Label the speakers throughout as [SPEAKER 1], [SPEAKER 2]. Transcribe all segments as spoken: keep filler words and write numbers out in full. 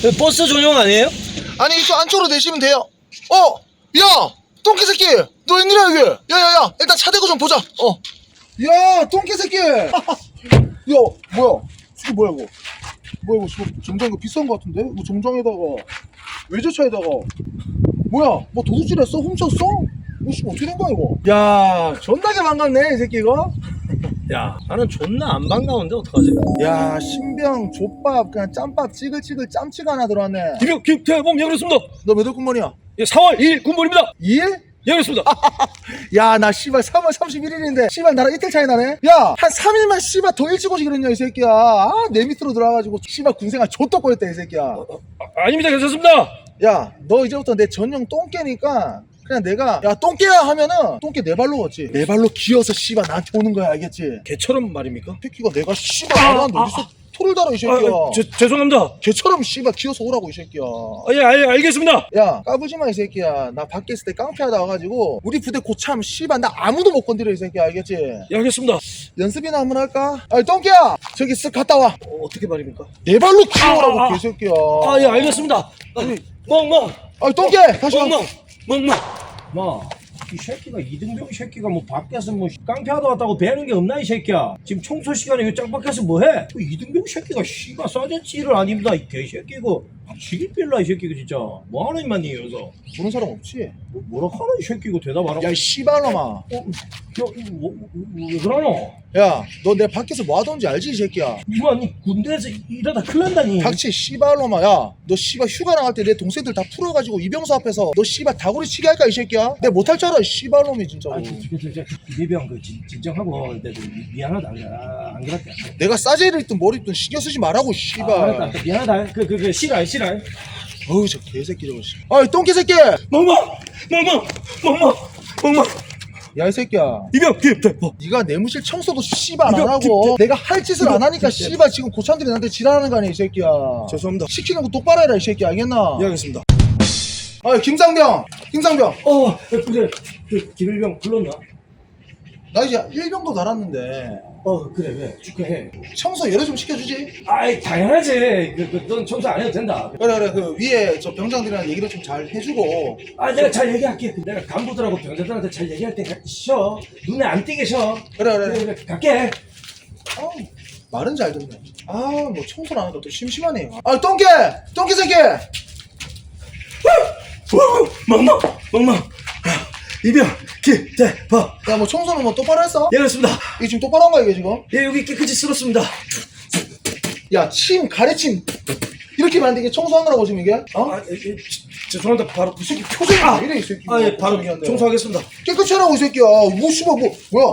[SPEAKER 1] 버스 전용 아니에요?
[SPEAKER 2] 아니 이쪽 안쪽으로 내시면 돼요. 어! 야! 똥개 새끼! 너 웬일이야 여기? 야야야! 일단 차 대고 좀 보자. 어. 야! 똥개 새끼! 야! 뭐야? 이게 뭐야 이거? 뭐야 이거 지금 정장 이거 비싼 거 같은데? 이거 정장에다가 외제차에다가 뭐야? 뭐 도둑질했어? 훔쳤어? 이거 지금 어떻게 된 거야 이거? 야 존나게 반갑네 이 새끼 이거?
[SPEAKER 1] 야, 나는 존나 안 반가운데 어떡하지?
[SPEAKER 2] 야 신병 족밥 그냥 짬밥 찌글찌글 짬치가 하나 들어왔네.
[SPEAKER 1] 김영, 김태범, 예, 그렇습니다.
[SPEAKER 2] 너 몇 월 군번이야?
[SPEAKER 1] 예, 사월 이일 군번입니다.
[SPEAKER 2] 이 일?
[SPEAKER 1] 예, 그렇습니다.
[SPEAKER 2] 야 나 씨발 삼월 삼십일일인데 씨발 나랑 이틀 차이 나네. 야 한 삼 일만 씨발 더 일찍 오지 그랬냐 이 새끼야. 아 내 밑으로 들어와가지고 씨발 군생활 좆도 꼬였다 이 새끼야.
[SPEAKER 1] 아, 아닙니다. 괜찮습니다.
[SPEAKER 2] 야 너 이제부터 내 전용 똥개니까 그냥 내가 야 똥개야 하면은 똥개 네 발로 걷지. 네 발로 기어서 씨발 나한테 오는 거야 알겠지?
[SPEAKER 1] 개처럼 말입니까?
[SPEAKER 2] 새끼가 내가 씨발 나한테 어디서 토를 달아 이 새끼야.
[SPEAKER 1] 아, 제, 죄송합니다.
[SPEAKER 2] 개처럼 씨발 기어서 오라고 이 새끼야.
[SPEAKER 1] 아, 예, 알, 알겠습니다.
[SPEAKER 2] 야 까부지마 이 새끼야. 나 밖에 있을 때 깡패하다 와가지고 우리 부대 고참 씨발 나 아무도 못 건드려 이 새끼야 알겠지?
[SPEAKER 1] 예, 알겠습니다.
[SPEAKER 2] 연습이나 한번 할까? 아니 똥개야 저기 쓱 갔다 와.
[SPEAKER 1] 어, 어떻게 말입니까?
[SPEAKER 2] 네 발로 기어오라고
[SPEAKER 1] 아, 아, 아.
[SPEAKER 2] 개새끼야.
[SPEAKER 1] 아, 예, 알겠습니다.
[SPEAKER 2] 아니,
[SPEAKER 1] 멍멍,
[SPEAKER 2] 아니 똥개 다시 와.
[SPEAKER 1] 멍멍, 멍멍.
[SPEAKER 3] 마, 이 새끼가 이등병 새끼가 뭐 밖에서 뭐 깡패하다 왔다고 배는 게 없나 이 새끼야. 지금 청소 시간에 이 짱밖에서 뭐해? 그 이등병 새끼가 씨가 싸졌지를 아닙니다 이 개새끼고. 지기빌라 이 새끼가 진짜 뭐 하는 임만 니 여기서.
[SPEAKER 2] 보는 사람 없지?
[SPEAKER 3] 뭐, 뭐라 하는 이 새끼고 대답하라고.
[SPEAKER 2] 야 이 씨발놈아.
[SPEAKER 3] 어, 야, 이거 뭐, 뭐, 뭐, 왜 그러노?
[SPEAKER 2] 야 너 내 밖에서 뭐 하던지 알지 이 새끼야?
[SPEAKER 3] 이만 니 군대에서 이러다 큰일 난다니.
[SPEAKER 2] 닥치 씨발놈아. 야 너 씨발 휴가 나갈 때 내 동생들 다 풀어가지고 이병수 앞에서 너 씨발 다구리 치게 할까 이 새끼야? 내 못할 줄 알아 이 씨발놈이 진짜.
[SPEAKER 3] 아, 저, 저, 저, 저, 이대병 그 진, 진정하고 내가 미안하다. 안, 안 그랬다.
[SPEAKER 2] 내가 싸제를 입든 뭘 입든 신경 쓰지 말라고 씨발.
[SPEAKER 3] 아, 알았다. 미안하다. 그, 그, 그, 싫어, 싫어.
[SPEAKER 2] 어우 저 개새끼 저거 씨. 아이 똥개 새끼.
[SPEAKER 1] 멍멍, 멍멍, 멍멍, 멍멍.
[SPEAKER 2] 야 이 새끼야.
[SPEAKER 1] 이병, 김태범.
[SPEAKER 2] 네가 내무실 청소도 씨발 안
[SPEAKER 1] 이거
[SPEAKER 2] 하고 내가 할 짓을 안 하니까
[SPEAKER 1] 이거
[SPEAKER 2] 씨발 지금 고참들이 나한테 지랄하는 거 아니야 이 새끼야.
[SPEAKER 1] 죄송합니다.
[SPEAKER 2] 시키는 거 똑바로 해라 이 새끼 알겠나?
[SPEAKER 1] 예, 알겠습니다.
[SPEAKER 2] 아 김상병 김상병
[SPEAKER 3] 어, 그래. 그, 김일병 불렀나?
[SPEAKER 2] 나 이제 일병도 달았는데
[SPEAKER 3] 어, 그래, 왜? 축하해.
[SPEAKER 2] 청소 열애 좀 시켜주지.
[SPEAKER 3] 아이, 당연하지. 그, 그, 넌 청소 안 해도 된다.
[SPEAKER 2] 그래 그래 그 위에 저 병장들이랑 얘기를 좀 잘 해주고.
[SPEAKER 3] 아, 내가 잘 얘기할게. 내가 간부들하고 병사들한테 잘 얘기할 때 쉬어. 눈에 안 띄게 쉬어.
[SPEAKER 2] 그래 그래
[SPEAKER 3] 그래, 그래. 갈게.
[SPEAKER 2] 아 말은 잘 듣네. 아 뭐 청소를 안 하니까 또 심심하네. 아 똥개 똥개 새끼.
[SPEAKER 1] 멍멍, 멍멍. 이병, 김태범.
[SPEAKER 2] 야 뭐 청소는 뭐 똑바로 했어?
[SPEAKER 1] 예, 그렇습니다.
[SPEAKER 2] 이게 지금 똑바로 한 거야 이게 지금?
[SPEAKER 1] 예, 여기 깨끗이 쓸었습니다.
[SPEAKER 2] 야 침 가래침 이렇게 만든 게 청소한 거라고 지금 이게? 어?
[SPEAKER 1] 아, 예, 예, 죄송합니다. 바로
[SPEAKER 2] 이 새끼 표정이
[SPEAKER 1] 아,
[SPEAKER 2] 왜 이래 이 새끼.
[SPEAKER 1] 아, 예, 바로 청소하겠습니다.
[SPEAKER 2] 깨끗이 하라고 이 새끼야. 뭐 씨발 뭐 뭐야?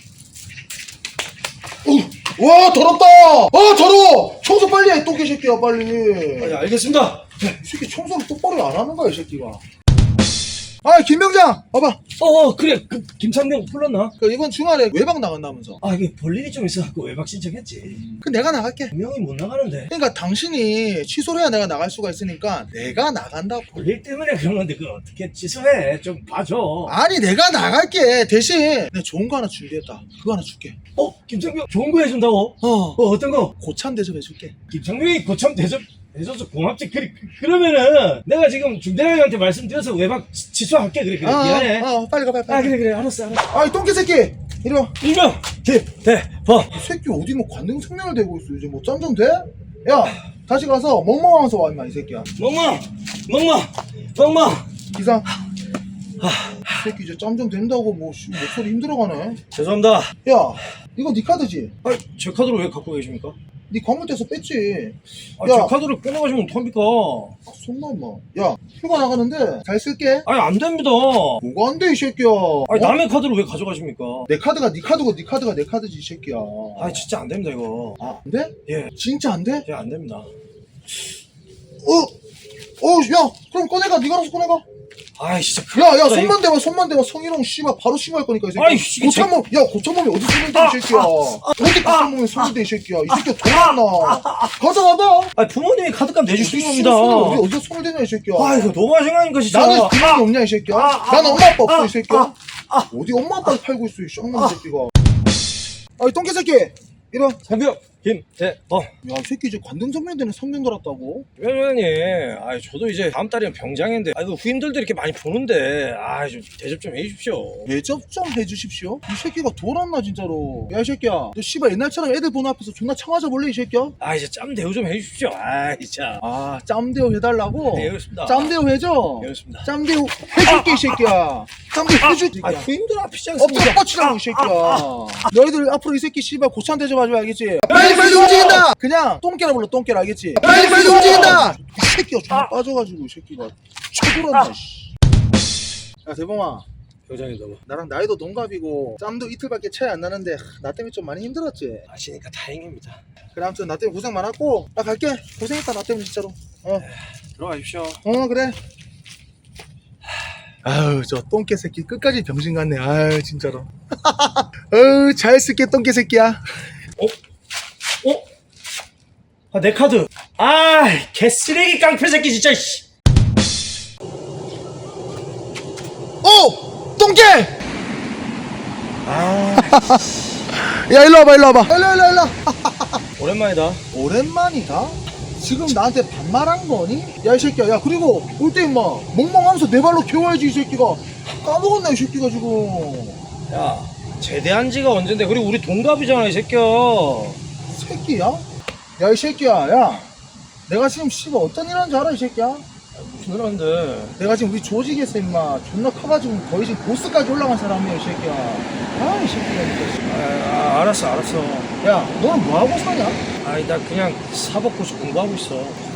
[SPEAKER 2] 어, 와 더럽다. 아 더러워. 청소 빨리 해 똥개 새끼야 빨리.
[SPEAKER 1] 아, 예, 알겠습니다.
[SPEAKER 2] 이 새끼 청소를 똑바로 안 하는 거야 이 새끼가. 아 김병장 봐봐.
[SPEAKER 3] 어, 어, 그래. 그, 김상병 불렀나?
[SPEAKER 2] 그 이번 주말에 외박 나간다면서.
[SPEAKER 3] 아, 이게 볼일이 좀 있어갖고 외박 신청했지.
[SPEAKER 2] 그 내가 나갈게.
[SPEAKER 3] 분명히 못 나가는데.
[SPEAKER 2] 그러니까 당신이 취소를 해야 내가 나갈 수가 있으니까 내가 나간다고.
[SPEAKER 3] 볼일 때문에 그런 건데 그걸 어떻게 취소해? 좀 봐줘.
[SPEAKER 2] 아니 내가 나갈게. 대신 내가 좋은 거 하나 준비했다. 그거 하나 줄게.
[SPEAKER 3] 어, 김상병 좋은 거 해준다고?
[SPEAKER 2] 어
[SPEAKER 3] 어, 어떤 거?
[SPEAKER 2] 고참 대접해줄게.
[SPEAKER 3] 김상병이 고참 대접 해줘서 고맙지. 그래, 그, 그러면은 내가 지금 중대장한테 말씀드려서 외박 치- 취소할게. 그래, 그래.
[SPEAKER 2] 아,
[SPEAKER 3] 미안해.
[SPEAKER 2] 아, 아, 빨리 가 빨리. 빨리.
[SPEAKER 3] 아, 그래, 그래. 알았어, 알았어.
[SPEAKER 2] 아이 똥개 새끼 이리 와.
[SPEAKER 1] 이병, 김태범.
[SPEAKER 2] 이 새끼 어디 뭐 관등 성명을 대고 있어. 이제 뭐 짬 좀 돼? 야 다시 가서 멍멍하면서 와 임마 이 새끼야.
[SPEAKER 1] 멍멍, 멍멍, 멍멍.
[SPEAKER 2] 기상. 이 새끼 이제 짬 좀 된다고 뭐 씨, 목소리 힘들어가네.
[SPEAKER 1] 죄송합니다.
[SPEAKER 2] 야 이거 네 카드지?
[SPEAKER 1] 아, 제 카드를 왜 갖고 계십니까?
[SPEAKER 2] 네 건물대에서 뺐지.
[SPEAKER 1] 아,
[SPEAKER 2] 야.
[SPEAKER 1] 제 카드를 빼내가시면 어떡합니까?
[SPEAKER 2] 아, 손나 임마. 야 휴가 나가는데 잘 쓸게.
[SPEAKER 1] 아니, 안 됩니다.
[SPEAKER 2] 뭐가 안 돼 이 새끼야.
[SPEAKER 1] 아니,
[SPEAKER 2] 어?
[SPEAKER 1] 남의 카드를 왜 가져가십니까?
[SPEAKER 2] 내 카드가 네 카드고 네 카드가 내 카드지 이 새끼야.
[SPEAKER 1] 아, 진짜 안 됩니다, 이거.
[SPEAKER 2] 아, 안 돼?
[SPEAKER 1] 예,
[SPEAKER 2] 진짜 안 돼?
[SPEAKER 1] 예, 안 됩니다.
[SPEAKER 2] 어? 어, 야, 그럼 꺼내가. 네가 알아서 꺼내가.
[SPEAKER 1] 아이, 진짜.
[SPEAKER 2] 야, 야,
[SPEAKER 1] 큰일
[SPEAKER 2] 손만 대봐, 손만 대봐. 성희롱 씨발 바로 신고할 거니까 이 새끼야.
[SPEAKER 1] 아이, 이게
[SPEAKER 2] 고참몸, 야, 고참몸이 어디 손을 대, 이 새끼야. 어디 고참몸이 손을 대, 이 새끼야. 이 새끼야 돌아왔나. 가자, 가자.
[SPEAKER 1] 아, 부모님이 카드값 내주시는 겁니다.
[SPEAKER 2] 어디, 어디서 손을 대냐, 이 새끼야.
[SPEAKER 1] 아, 이거 너무하신 거 아닙니까, 진짜.
[SPEAKER 2] 나는 그런 게 없냐, 이 새끼야.
[SPEAKER 1] 아, 아,
[SPEAKER 2] 나는 엄마 아빠 없어,
[SPEAKER 1] 아,
[SPEAKER 2] 이 새끼야.
[SPEAKER 1] 아,
[SPEAKER 2] 어디 엄마 아빠를 팔고 있어, 이 쌍놈 새끼가. 아이, 똥개 새끼. 이리 와.
[SPEAKER 1] 상병, 김대범.
[SPEAKER 2] 야, 이 새끼 이제 관등 선배님 되는 성명 들었다고?
[SPEAKER 1] 위원장님, 아 저도 이제 다음 달이면 병장인데, 아 그 후임들도 이렇게 많이 보는데, 아 좀 대접 좀 해주십시오.
[SPEAKER 2] 대접 좀 해주십시오. 이 새끼가 돌았나 진짜로. 야, 이 새끼야, 너 씨발 옛날처럼 애들 보는 앞에서 존나 청하자 볼래 이 새끼야?
[SPEAKER 1] 아 이제 짬 대우 좀 해주십시오. 아 진짜.
[SPEAKER 2] 아, 짬대우 해달라고?
[SPEAKER 1] 네, 알겠습니다.
[SPEAKER 2] 짬대우 해줘.
[SPEAKER 1] 네, 알겠습니다.
[SPEAKER 2] 짬대우 해줄게 이 새끼야. 짬대우 해줄게.
[SPEAKER 1] 아 후임들 앞이지
[SPEAKER 2] 엎드려
[SPEAKER 1] 않습니까?
[SPEAKER 2] 뻗치라고 이 새끼야. 너희들 앞으로 이 새끼 씨발 고참 대접하지 알겠지? 빨리 빨리 움직인다. 그냥 똥개라 불러 똥개라 알겠지? 빨리 빨리 움직인다. 이 새끼가 존나 빠져가지고 이 새끼가 쳐돌았나. 야 대범아,
[SPEAKER 1] 병장이 너무
[SPEAKER 2] 나랑 나이도 동갑이고 짬도 이틀밖에 차이 안 나는데 나 때문에 좀 많이 힘들었지?
[SPEAKER 1] 아시니까 다행입니다.
[SPEAKER 2] 그래 아무튼 나 때문에 고생 많았고 나 갈게. 고생했다 나 때문에 진짜로. 어,
[SPEAKER 1] 들어가십시오.
[SPEAKER 2] 어 그래. 아유 저 똥개 새끼 끝까지 병신 같네. 아유 진짜로. 아유 잘 쓸게 똥개 새끼야.
[SPEAKER 1] 어? 아 내 카드. 아 개쓰레기 깡패 새끼 진짜. 씨.
[SPEAKER 2] 오! 똥개!
[SPEAKER 1] 아
[SPEAKER 2] 야 일로 와봐 일로 와봐 일로 일로 일로.
[SPEAKER 1] 오랜만이다.
[SPEAKER 2] 오랜만이다? 지금 나한테 반말한 거니? 야 이 새끼야 야 그리고 올 때 임마 멍멍하면서 내 발로 겨워야지 이 새끼가. 까먹었나 이 새끼가 지금.
[SPEAKER 1] 야 제대한 지가 언젠데. 그리고 우리 동갑이잖아 이 새끼야.
[SPEAKER 2] 새끼야? 야 이 새끼야 야 내가 지금 씨발 어떤 일 하는지 알아 이 새끼야?
[SPEAKER 1] 무슨 일 하는데.
[SPEAKER 2] 내가 지금 우리 조직에서 임마 존나 커가지고 거의 지금 보스까지 올라간 사람이야 이 새끼야. 아 이 새끼가 진짜.
[SPEAKER 1] 아, 아 알았어 알았어.
[SPEAKER 2] 야 너는 뭐하고 사냐?
[SPEAKER 1] 아니 나 그냥 사법고시 공부하고 있어.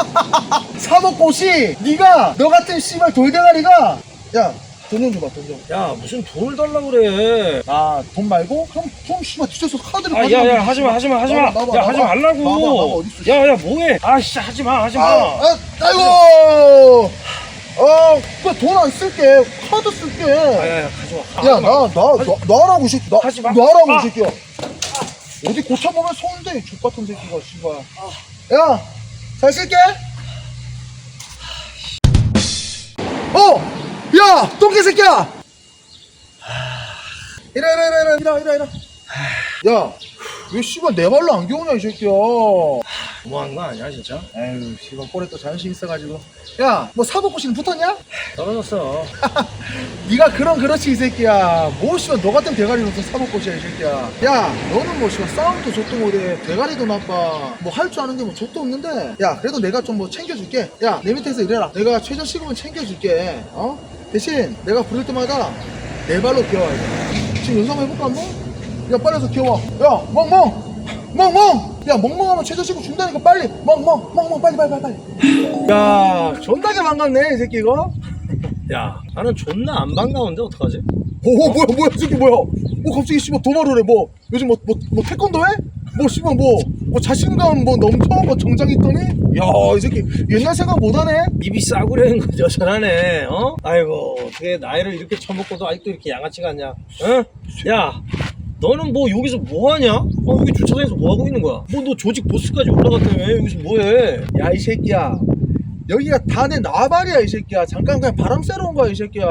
[SPEAKER 2] 사법고시 네가 너 같은 씨발 돌대가리가 야 돈 좀 줘봐 돈 좀.
[SPEAKER 1] 야 무슨 돈을 달라고 그래.
[SPEAKER 2] 아 돈 말고? 그럼 좀 씨발 뒤져서 카드를
[SPEAKER 1] 아 야야 하지마 하지마 하지마.
[SPEAKER 2] 나봐, 나봐,
[SPEAKER 1] 야
[SPEAKER 2] 나봐.
[SPEAKER 1] 하지
[SPEAKER 2] 나봐,
[SPEAKER 1] 말라고.
[SPEAKER 2] 나봐, 어딨어,
[SPEAKER 1] 야야 뭐해. 아 진짜 하지마 하지마.
[SPEAKER 2] 아, 아, 아이고 어 그래 돈 안 쓸게 카드 쓸게.
[SPEAKER 1] 야야야 가져와.
[SPEAKER 2] 야 나 나 나 나라고 이 새끼 나
[SPEAKER 1] 하지 마.
[SPEAKER 2] 나라고
[SPEAKER 1] 아.
[SPEAKER 2] 이 새끼야. 어디 고쳐보면 손대 족같은 새끼가 씨발. 야 잘 쓸게. 어! 야! 똥개 새끼야! 이래 이래 이래 이래 이래 이래. 야! 왜 씨발 내 발로 안 겨우냐 이 새끼야.
[SPEAKER 1] 너무한 거 아니야 진짜?
[SPEAKER 2] 에휴 씨발 꼴에 또 자존심 있어가지고. 야! 뭐 사법고시는 붙었냐?
[SPEAKER 1] 떨어졌어.
[SPEAKER 2] 네가 그런 그렇지 이 새끼야. 뭐 씨발 너 같은 대가리로 무슨 사법고시야 이 새끼야. 야 너는 뭐 씨발 싸움도 족도 못해 대가리도 나빠 뭐 할 줄 아는 게 뭐 족도 없는데. 야 그래도 내가 좀 뭐 챙겨줄게. 야 내 밑에서 일해라. 내가 최저 시급은 챙겨줄게. 어? 대신 내가 부를 때마다 내 발로 기어와야 돼. 지금 연습 한번 해볼까 한번? 야 빨리 와서 기어와. 야 멍멍 멍멍. 야 멍멍하면 최저 시급 준다니까 빨리. 멍멍 멍멍 빨리 빨리 빨리 빨리. 야 존나게 반갑네 이 새끼 이거.
[SPEAKER 1] 야 나는 존나 안 반가운데 어떡하지?
[SPEAKER 2] 오 뭐야 뭐야 이 새끼 뭐야. 뭐 갑자기 씨발 도발을 해. 뭐 요즘 뭐 뭐 뭐 태권도 해? 뭐 씨발 뭐 뭐 자신감 뭐 넘쳐 뭐 정장 있더니. 야 이 새끼 옛날 생각 못하네.
[SPEAKER 1] 입이 싸구려는 거 여전하네. 어? 아이고 어떻게 나이를 이렇게 처먹고도 아직도 이렇게 양아치 같냐? 어? 야 너는 뭐 여기서 뭐하냐? 어 여기 주차장에서 뭐하고 있는 거야? 뭐 너 조직 보스까지 올라갔다며. 여기서 뭐해?
[SPEAKER 2] 야 이 새끼야 여기가 다 내 나발이야 이 새끼야. 잠깐 그냥 바람 쐬러 온 거야 이 새끼야.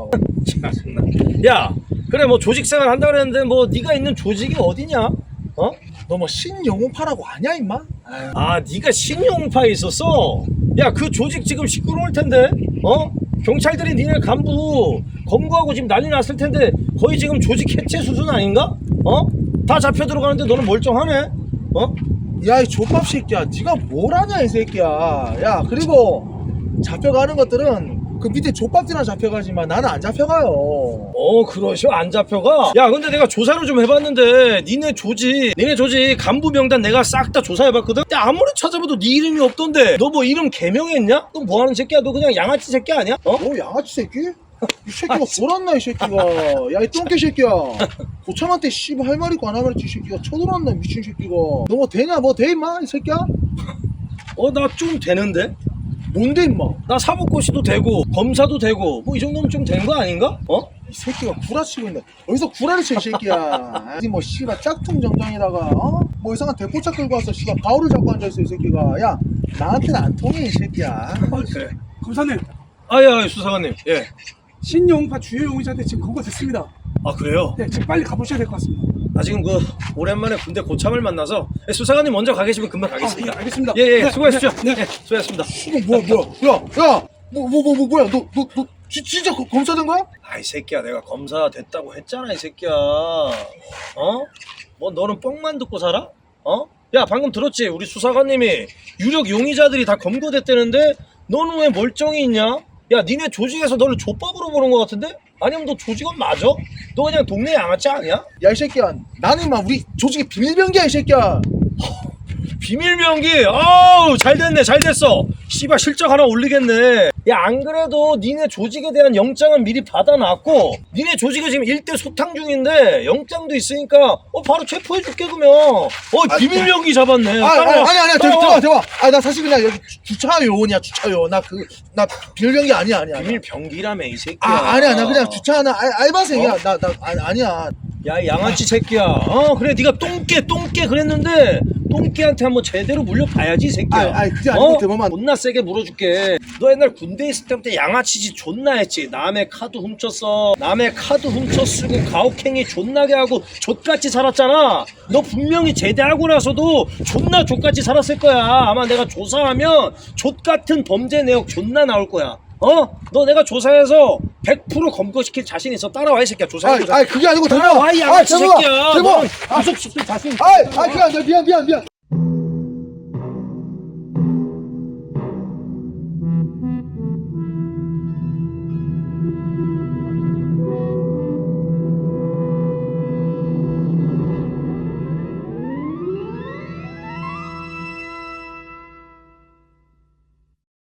[SPEAKER 1] 짜증나. 야 그래 뭐 조직생활 한다 그랬는데 뭐 네가 있는 조직이 어디냐? 어?
[SPEAKER 2] 너 뭐 신영웅파라고 아냐 임마? 아유.
[SPEAKER 1] 아 네가 신용파에 있었어? 야 그 조직 지금 시끄러울 텐데. 어? 경찰들이 니네 간부 검거하고 지금 난리 났을 텐데 거의 지금 조직 해체 수준 아닌가? 어? 다 잡혀 들어가는데 너는 멀쩡하네? 어?
[SPEAKER 2] 야 이 족밥 새끼야 네가 뭘 하냐 이 새끼야. 야 그리고 잡혀가는 것들은 그 밑에 족밥들이나 잡혀가지만 나는 안 잡혀가요.
[SPEAKER 1] 어 그러셔 안 잡혀가? 야 근데 내가 조사를 좀 해봤는데 니네 조직 니네 조직 간부 명단 내가 싹 다 조사해봤거든? 근데 아무리 찾아봐도 네 이름이 없던데 너 뭐 이름 개명했냐? 너 뭐하는 새끼야? 너 그냥 양아치 새끼 아니야? 어?
[SPEAKER 2] 너 양아치 새끼? 이 새끼가 돌았나 이 새끼가. 야 이 똥개 새끼야 고참한테 씨발 할 말이고 안 할 말이지 이 새끼가 쳐돌았나 미친 새끼가. 너 뭐 되냐 뭐 돼 임마 이 새끼야?
[SPEAKER 1] 어 나 좀 되는데?
[SPEAKER 2] 뭔데 임마.
[SPEAKER 1] 나 사법고시도 되고 검사도 되고 뭐 이 정도면 좀 된 거 아닌가? 어?
[SPEAKER 2] 이 새끼가 구라치고 있네. 어디서 구라를 쳐 이 새끼야. 어디 뭐 씨발 짝퉁 정장에다가 어? 뭐 이상한 대포차 끌고 와서 씨발 가오를 잡고 앉아있어 이 새끼가. 야 나한테는 안 통해 이 새끼야.
[SPEAKER 1] 그래.
[SPEAKER 4] 검사님,
[SPEAKER 1] 아야 수사관님. 예.
[SPEAKER 4] 신용파 주요 용의자한테 지금 검거됐습니다.
[SPEAKER 1] 아 그래요?
[SPEAKER 4] 네, 지금 빨리 가보셔야 될 것 같습니다.
[SPEAKER 1] 나 지금 그 오랜만에 군대 고참을 만나서 수사관님 먼저 가 계시면 금방 가겠습니다.
[SPEAKER 2] 아, 예, 알겠습니다.
[SPEAKER 1] 예예
[SPEAKER 2] 네,
[SPEAKER 1] 수고하십시오.
[SPEAKER 2] 네,
[SPEAKER 1] 예, 수고하셨습니다.
[SPEAKER 2] 이거 뭐야 뭐야 야야 뭐 뭐 뭐 뭐 뭐야 너 너 너 진짜 거- 검사된 거야?
[SPEAKER 1] 아이 새끼야 내가 검사 됐다고 했잖아 이 새끼야. 어? 뭐 너는 뻥만 듣고 살아? 어? 야 방금 들었지? 우리 수사관님이 유력 용의자들이 다 검거됐다는데 너는 왜 멀쩡히 있냐? 야 니네 조직에서 너를 족밥으로 보는 것 같은데? 아니면 너 조직원 맞아? 너 그냥 동네 양아치 아니야?
[SPEAKER 2] 야 이 새끼야 나는 막 우리 조직의 비밀병기야 이 새끼야.
[SPEAKER 1] 비밀 명기 아우 잘 됐네 잘 됐어. 씨발 실적 하나 올리겠네. 야 안 그래도 니네 조직에 대한 영장은 미리 받아놨고 니네 조직이 지금 일대 소탕 중인데 영장도 있으니까 어 바로 체포해줄게 그러면. 어
[SPEAKER 2] 아,
[SPEAKER 1] 비밀 명기 잡았네.
[SPEAKER 2] 아, 아,
[SPEAKER 1] 따라와.
[SPEAKER 2] 아니 아니야
[SPEAKER 1] 따라와.
[SPEAKER 2] 대박 대박 아 나 사실 그냥 여기 주- 주차요원이야 주차요원 나 그 나 비밀병기 아니야 아니야
[SPEAKER 1] 비밀 병기라며 이 새끼야.
[SPEAKER 2] 아 아니야 나 그냥 주차하는 알, 알바생이야
[SPEAKER 1] 어?
[SPEAKER 2] 나 나 아니, 아니야
[SPEAKER 1] 야 이 양아치 새끼야. 어 그래 네가 똥개 똥개 그랬는데 똥개한테 한번 제대로 물려봐야지 이 새끼야.
[SPEAKER 2] 아이, 아이, 그게 아니고
[SPEAKER 1] 어?
[SPEAKER 2] 대범한-
[SPEAKER 1] 존나 세게 물어줄게. 너 옛날 군대 있을 때부터 양아치지 존나 했지. 남의 카드 훔쳤어. 남의 카드 훔쳐 쓰고 가혹행위 존나게 하고 족같이 살았잖아. 너 분명히 제대하고 나서도 존나 족같이 살았을 거야. 아마 내가 조사하면 족같은 범죄 내역 존나 나올 거야. 어? 너 내가 조사해서 백 퍼센트 검거시킬 자신 있어. 따라와 이 새끼야. 조사해.
[SPEAKER 2] 아이
[SPEAKER 1] 조사.
[SPEAKER 2] 아이 그게 아니고 대박
[SPEAKER 1] 따라와 이 양아치
[SPEAKER 2] 대박
[SPEAKER 1] 새끼야.
[SPEAKER 2] 대박
[SPEAKER 1] 너는 구속시킬 자신 있어.
[SPEAKER 2] 아이 아이 그게 아니라 미안 미안 미안